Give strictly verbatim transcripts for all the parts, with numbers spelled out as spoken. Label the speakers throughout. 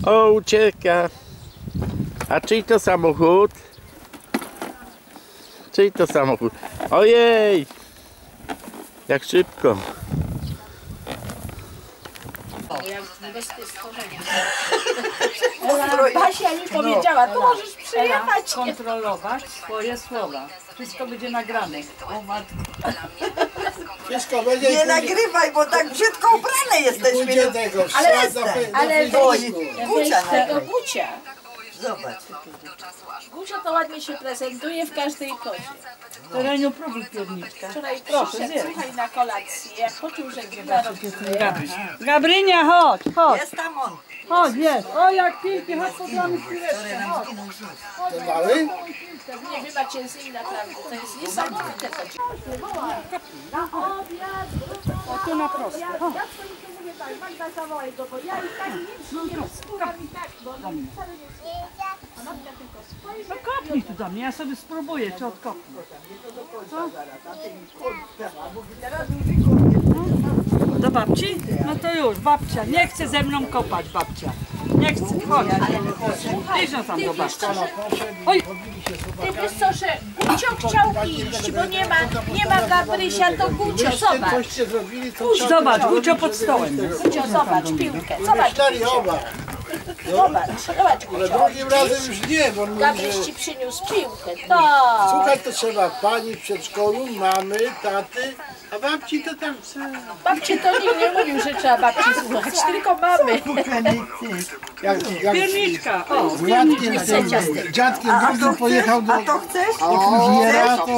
Speaker 1: O, ucieka. A czyj to samochód? Czyj to samochód? Ojej! Jak szybko.
Speaker 2: Basia mi powiedziała, to możesz przyjechać.
Speaker 3: Kontrolować swoje słowa. Wszystko będzie nagrane. O matko.
Speaker 4: Wszystko będzie.
Speaker 5: Nie nagrywaj, bo tak brzydko ubrane jesteśmy.
Speaker 4: Tego,
Speaker 2: Ale, ale
Speaker 5: Oj,
Speaker 2: Gucia tego Gucia.
Speaker 5: zobacz.
Speaker 2: Gucia to ładnie się prezentuje w każdej pozie.
Speaker 3: Tereniu próbuj pierniczka.
Speaker 2: Wczoraj
Speaker 3: Proszę,
Speaker 2: przyszedł,
Speaker 3: zjedz.
Speaker 2: słuchaj, na kolację, jak poczuł, że kina robi.
Speaker 3: Gabrynia, chodź, chodź.
Speaker 5: Jest tam on.
Speaker 3: Chodź, jest. O, jak pięknie, chodź podamy chwileczkę. Chodź.
Speaker 4: Ten mały?
Speaker 2: Nie, wy macie z nim naprawdę, to jest niesamowite. Na obiad,
Speaker 3: O, tu na prosto.
Speaker 2: ja swoim to mówię tak, Magda zawołaj go, bo ja i tak nic nie rozsłucham i tak, bo on mi wcale nie słucha. A Magda tylko spojrzy.
Speaker 3: No kopnij tu do mnie, ja sobie spróbuję, czy odkopnę. Co? Do babci? No to już, babcia. Nie chce ze mną kopać, babcia. Nie chce, chodź. Idź no tam do babci. Oj,
Speaker 2: Ty wiesz co, że Gucio chciał iść, bo nie ma, nie ma Gabrysia, to Gucio, zobacz.
Speaker 4: Coście zrobili, to
Speaker 3: zobacz, Gucio pod stołem.
Speaker 2: Gucio, zobacz piłkę, zobacz,
Speaker 4: cztery oba.
Speaker 2: zobacz, zobacz
Speaker 4: Ale
Speaker 2: Gucio.
Speaker 4: drugim razem już nie, bo on mówi,
Speaker 2: Gabryś
Speaker 4: że
Speaker 2: ci przyniósł piłkę, tak.
Speaker 4: słuchać to trzeba pani w przedszkolu, mamy, taty, a babci to tam co?
Speaker 2: Babcie to nikt nie mówił, że trzeba babci słuchać, tylko mamy.
Speaker 4: Jak, jak
Speaker 3: Pierniczka, o.
Speaker 4: z dziadkiem, z tym, dziadkiem drugim pojechał do,
Speaker 5: A to chcesz?
Speaker 4: do fryzjera, to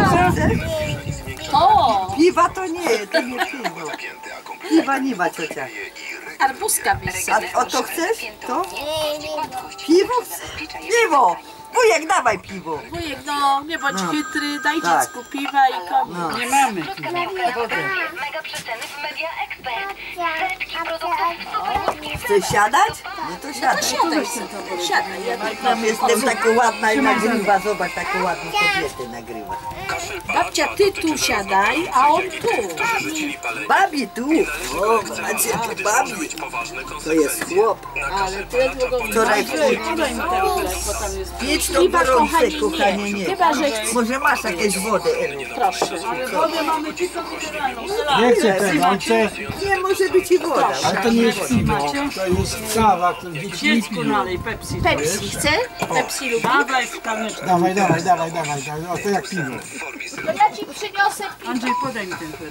Speaker 2: O,
Speaker 5: Piwa to nie, to nie piwo. Piwa nie ma ciocia.
Speaker 2: arbuzka byś sobie.
Speaker 5: A o to chcesz? To? Piwo? Piwo! Wujek, dawaj piwo.
Speaker 2: Wujek, no nie bądź chytry, daj
Speaker 5: Tak.
Speaker 2: dziecku piwa i komu.
Speaker 3: Nie mamy.
Speaker 6: Mega przeceny w Media Expert. Setki produktów w super niskich
Speaker 5: Chcesz siadać? No to siadaj.
Speaker 2: Siadaj sobie, siadaj. Ja
Speaker 5: Tam jestem taka ładna i nagrywa. Zobacz, taką ładną kobietę nagrywa.
Speaker 2: Babcia, ty tu siadaj, a on tu.
Speaker 5: Babi tu. O, macie tu babi. To jest chłop.
Speaker 2: Ale ty długo
Speaker 5: Wczoraj
Speaker 3: Podaj mi ten chleb, bo tam jest...
Speaker 5: pięć to
Speaker 2: Chyba,
Speaker 5: gorące,
Speaker 2: kochani,
Speaker 5: kochanie,
Speaker 2: nie.
Speaker 5: nie.
Speaker 2: Chyba, że chcesz.
Speaker 5: Może masz jakieś wodę, Elu?
Speaker 2: Proszę.
Speaker 3: Wodę mamy tylko mineralną.
Speaker 4: nie chce tego, on chce,
Speaker 5: Nie, może być i woda.
Speaker 4: ale to nie jest piwo, to jest kawa, to jest
Speaker 3: Dziecku nalej Pepsi.
Speaker 2: Pepsi chce? Pepsi lubi?
Speaker 3: Dawaj w kamyczkę.
Speaker 4: Dawaj, dawaj, dawaj, dawaj, dawaj, o to jak piwo.
Speaker 2: To ja ci przyniosę piwo.
Speaker 3: Andrzej, podaj mi ten chleb.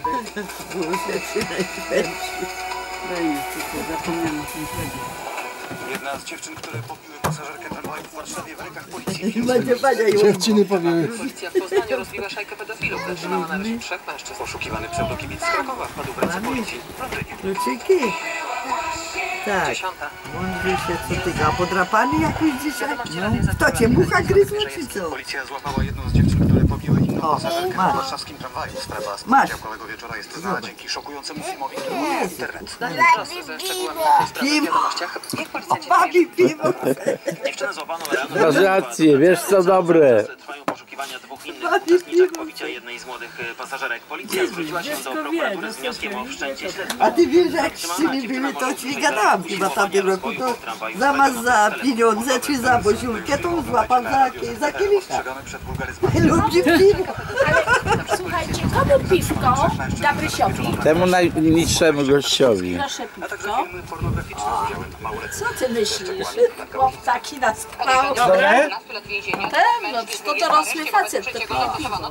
Speaker 3: Daj mi tylko, zapomniałam o tym chlebie.
Speaker 7: Jedna z dziewczyn, które pobiły pasażerkę tramwaju w Warszawie w rękach policji.
Speaker 5: Będzie bania i
Speaker 4: Dziewczyny powiemy.
Speaker 8: Policja w Poznaniu rozbiła szajkę pedofilów. Zatrzymała na razie trzech mężczyzn. Poszukiwany pseudokibic z Krakowa wpadł w ręce policji.
Speaker 5: kluczyki. Tak.
Speaker 8: Dziesiąta.
Speaker 5: Mądrzy się co ty, a podrapany jakiś dzisiaj? No. Kto cię, mucha gryzła czy co?
Speaker 7: Policja złapała jedną z dziewczyn, które pobiły inną
Speaker 5: O,
Speaker 7: pasażerkę
Speaker 5: masz.
Speaker 7: w warszawskim tramwaju. Sprawa z
Speaker 5: Masz.
Speaker 7: poniedziałkowego wieczora jest znana dzięki szokującemu filmowi, który
Speaker 5: Jest.
Speaker 7: w internet.
Speaker 8: Ze szczegółami tej sprawy w
Speaker 5: Piwo.
Speaker 8: wiadomościach. Jak policjanci
Speaker 5: Babi piwo.
Speaker 7: Dziewczynę złapano rano.
Speaker 1: Masz rację, wiesz co dobre.
Speaker 7: Trwają poszukiwania dwóch innych uczestniczek pobicia jednej z młodych e, pasażerek. Policja zwróciła się do prokuratury z wnioskiem o wszczęcie śledztwa.
Speaker 5: A ty wiesz, jak z tymi byli, to ci gadałam chyba w tamtym roku, to zamiast za pieniądze czy za boziulkę, to złapał za, za kielicha.
Speaker 7: Przegamy przed wulgaryzmami.
Speaker 5: Lubi piwo.
Speaker 2: Słuchajcie, komu piwko? Gabrysiowi.
Speaker 1: Temu najniższemu gościowi.
Speaker 2: Proszę
Speaker 7: A także
Speaker 2: piwko.
Speaker 7: filmy pornograficzne z udziałem małoletnich.
Speaker 2: Co ty myślisz? Chłop taki na skalę.
Speaker 4: Dobre?
Speaker 2: No, to dorosły facet, to piwo.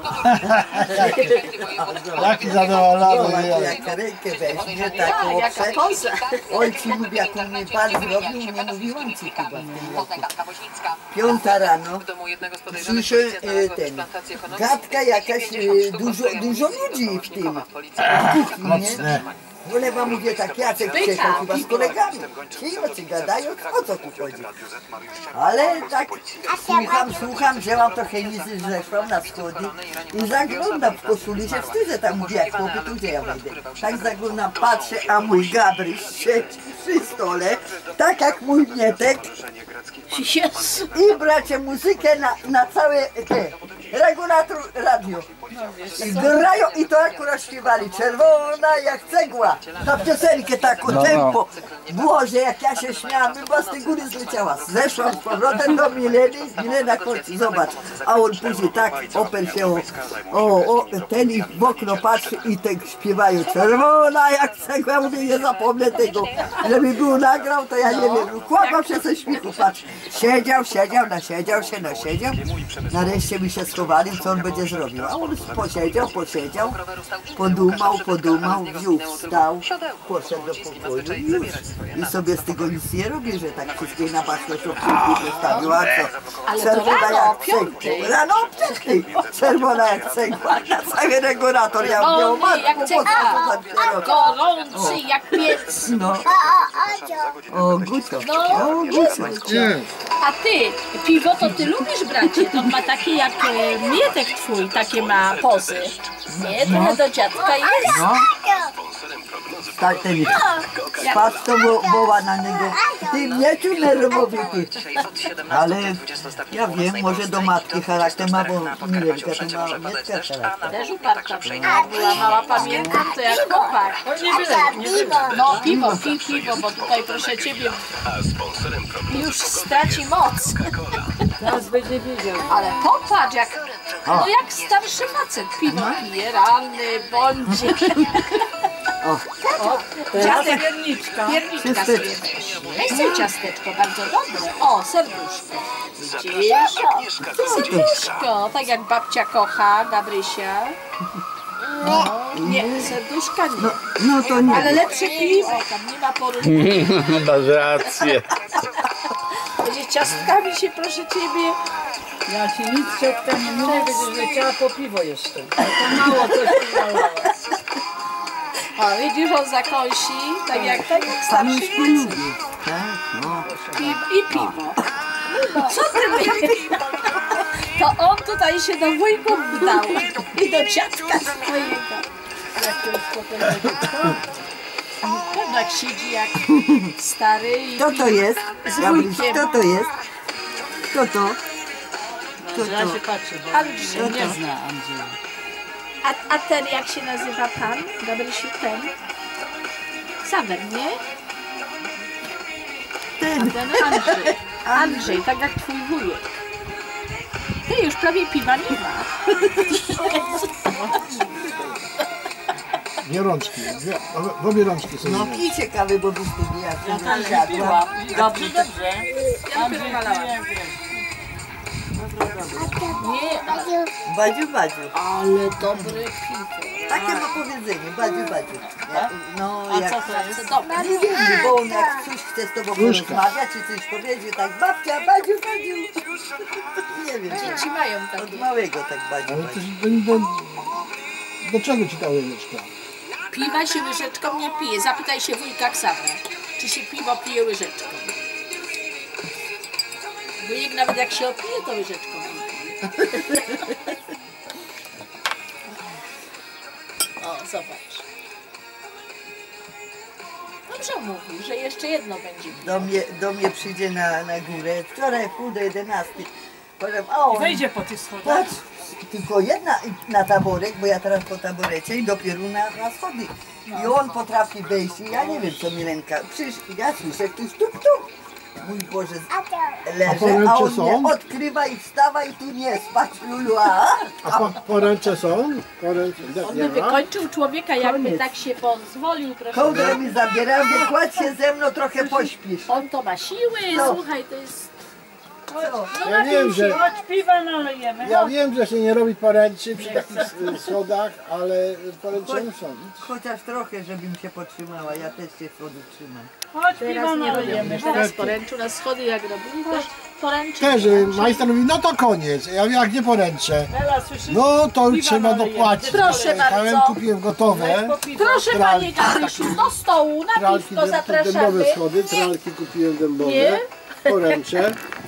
Speaker 4: Jaki zadowolony jest.
Speaker 5: Jak rękę weźmie, taką
Speaker 2: Jaka
Speaker 5: obsę.
Speaker 2: poza.
Speaker 5: Ojciec mówi, jak on mnie pan zrobił, nie mówiłam ci chyba w tym roku. Piąta rano.
Speaker 8: w domu jednego z podejrzanych
Speaker 5: Słyszę
Speaker 8: policja
Speaker 5: e,
Speaker 8: znalazła
Speaker 5: ten,
Speaker 8: transplantację konopi.
Speaker 5: gadka jakaś, e, dużo, dużo ludzi w tym, w kuchni, nie? Ulewa mówię tak, Jacek przyjechał chyba z kolegami. Ci oczy gadają, o co tu chodzi? Ale tak słucham, słucham, wzięłam trochę lizy, zeszłam na schody i zaglądam w koszuli, się wstydzę tam, mówię, jak chłopy, tu gdzie ja wejdę. Tak zaglądam, patrzę, a mój Gabryś siedzi przy stole, tak jak mój Mietek.
Speaker 2: Jezu.
Speaker 5: I bracie muzykę na, na całe te, regulator radio. I grają i to akurat śpiewali, czerwona jak cegła. Ta piosenkę taką
Speaker 1: No, no.
Speaker 5: tempo. Boże, jak ja się śmiałam, chyba z tej góry zleciała. Zeszłam z powrotem do Mileny, Milena chodź, zobacz. A on później tak oper się, o, o, o ten i w okno patrzy i tak śpiewają, czerwona jak cegła. Mówię, nie zapomnę tego, żeby był nagrał, to ja nie wiem, kłamał się ze śmiechu, patrz. Siedział, siedział, nasiedział się, nasiedział. Nareszcie my się schowali, co on będzie zrobił. A on posiedział, posiedział, podumał, podumał, wziął, wstał, poszedł do pokoju i już. I sobie z tego nic nie robi, że tak wszystkie na baczność obciążki zostawił, a co? Czerwona jak cegła. Rano o piątej. Czerwona jak cegła. Na cały regulator ja miał
Speaker 2: O nie, jak cegła. Gorący jak piec.
Speaker 5: No. O, Gucio. O, Gucio.
Speaker 2: A ty, piwo to ty lubisz, bracie? To ma takie jak e, Mietek twój, takie ma pozy. Nie, trochę do dziadka jest.
Speaker 5: No. Tak, ten spadł to wo- woła na niego. Ty mnie tu nerwowy ty. Ale ja wiem, może do matki charakter ma, bo Milenka to ma Mietka charakter.
Speaker 2: Też uparta była, była mała, pamiętam to jak chłopak.
Speaker 3: O, nie byle, nie byle.
Speaker 2: No piwo, pij piwo, bo tutaj proszę ciebie już straci moc.
Speaker 3: Teraz będzie wiedział.
Speaker 2: Ale popatrz jak, no jak starszy facet piwo pije, ranny, bądź.
Speaker 3: O, teraz pierniczka.
Speaker 2: Pierniczka sobie weź. Weź sobie ciasteczko, bardzo dobre. O, serduszko. Widzisz? Serduszko, tak jak babcia kocha, Gabrysia. No, nie, serduszka nie.
Speaker 5: No to nie.
Speaker 2: Ale lepsze piwo, tam nie ma porównania.
Speaker 1: Masz rację.
Speaker 2: Będzie ciastkami się, proszę ciebie.
Speaker 3: Ja ci nic przedtem nie mówię, będziesz leciała po piwo jeszcze. To mało coś tu nalała.
Speaker 2: O, widzisz, on zakąsi, tak jak, tak jak starszy
Speaker 5: Pamięć
Speaker 2: facet.
Speaker 5: lubi. Tak, no.
Speaker 2: Piwo i piwo. Co ty myślisz? To on tutaj się do wujków wdał i do dziadka swojego. Jak to jest potem tak siedzi jak stary i
Speaker 5: Kto to jest?
Speaker 2: z
Speaker 5: Gabryś,
Speaker 2: wujkiem.
Speaker 5: kto to jest? Kto to? Kto
Speaker 3: Ja
Speaker 5: to?
Speaker 3: się patrzę, bo
Speaker 2: Andrzej.
Speaker 3: on nie zna Andrzeja.
Speaker 2: A, a ten jak się nazywa pan? Gabrysiu, ten? Sawer, nie?
Speaker 5: Ten.
Speaker 2: Ten Andrzej. Andrzej, tak jak twój wujek. Ty już prawie piwa nie ma.
Speaker 4: Nie rączki, dwie, w obie rączki sobie.
Speaker 5: No pij ciekawy, bo byś tu ja
Speaker 3: Ja
Speaker 5: tu
Speaker 3: też
Speaker 5: nie
Speaker 3: nie
Speaker 5: siadła.
Speaker 3: piła. Dobrze, dobrze. Andrzej, wiem, wiem.
Speaker 2: Nie,
Speaker 5: Badziu, badziu.
Speaker 2: ale dobre piwo.
Speaker 5: Takie ma powiedzenie, badziu, badziu. Ja, no,
Speaker 3: A
Speaker 5: jak,
Speaker 3: co to jest?
Speaker 2: Dobre.
Speaker 5: nie wiem, bo on jak coś chce z tobą porozmawiać, czy coś powiedzieć, tak babcia, badziu, badziu. Nie wiem,
Speaker 2: Dzieci mają
Speaker 5: od
Speaker 2: takie.
Speaker 5: małego tak badziu,
Speaker 4: Ale to
Speaker 5: badziu.
Speaker 4: do, do, do czego ci ta łyżeczka?
Speaker 2: Piwa się łyżeczką nie pije. Zapytaj się wujka Ksawra, czy się piwo pije łyżeczką. Wujek nawet jak się opije, to łyżeczką pije. O, zobacz. Dobrze mówi, że jeszcze jedno będzie.
Speaker 5: Do mnie, do mnie przyjdzie na, na górę, wczoraj pół do jedenastej. Powiem, o,
Speaker 3: I wejdzie po tych schodach.
Speaker 5: patrz, tylko jedna na taborek, bo ja teraz po taborecie i dopiero na, na schody. I on potrafi wejść i ja nie wiem co Milenka, przecież ja słyszę ktoś tuk tuk. Mój Boże,
Speaker 4: A
Speaker 5: leżę, a
Speaker 4: poręcze
Speaker 5: on
Speaker 4: są?
Speaker 5: mnie odkrywa i wstawa i tu nie spać, Lulu, a?
Speaker 4: A po, poręcze są? Poręcze,
Speaker 2: On
Speaker 4: nie
Speaker 2: by
Speaker 4: ma?
Speaker 2: wykończył człowieka, jakby
Speaker 5: Koniec.
Speaker 2: tak się pozwolił, proszę.
Speaker 5: Kołdrę mi zabiera, mówię, kładź się ze mną, trochę pośpisz.
Speaker 2: On to ma siły,
Speaker 5: No.
Speaker 2: słuchaj, to jest...
Speaker 5: Co?
Speaker 4: Ja wiem, że,
Speaker 3: Chodź piwa nalejemy.
Speaker 4: ja wiem, że się nie robi poręczy przy takich s- schodach, ale poręcze są.
Speaker 5: Chociaż trochę, żebym się potrzymała, ja też się schodów trzymam.
Speaker 3: Chodź piwa
Speaker 2: Teraz nie
Speaker 3: nalejemy.
Speaker 2: robimy, teraz poręczu na schody jak robili, to poręczy.
Speaker 4: Też y, majster mówi, no to koniec. Ja mówię, jak nie poręczę.
Speaker 3: Bela, słyszysz?
Speaker 4: No to już
Speaker 3: Piwa
Speaker 4: trzeba
Speaker 3: nalejemy.
Speaker 4: dopłacić.
Speaker 2: Proszę
Speaker 4: Jechałem,
Speaker 2: bardzo.
Speaker 4: kupiłem gotowe.
Speaker 3: Po piwo.
Speaker 2: Proszę panie Gabrysiu, do stołu, na
Speaker 4: Tralki
Speaker 2: piwko
Speaker 4: dębowe
Speaker 2: zapraszamy.
Speaker 4: schody, tralki kupiłem dębowe.
Speaker 2: Nie?
Speaker 4: Poręcze.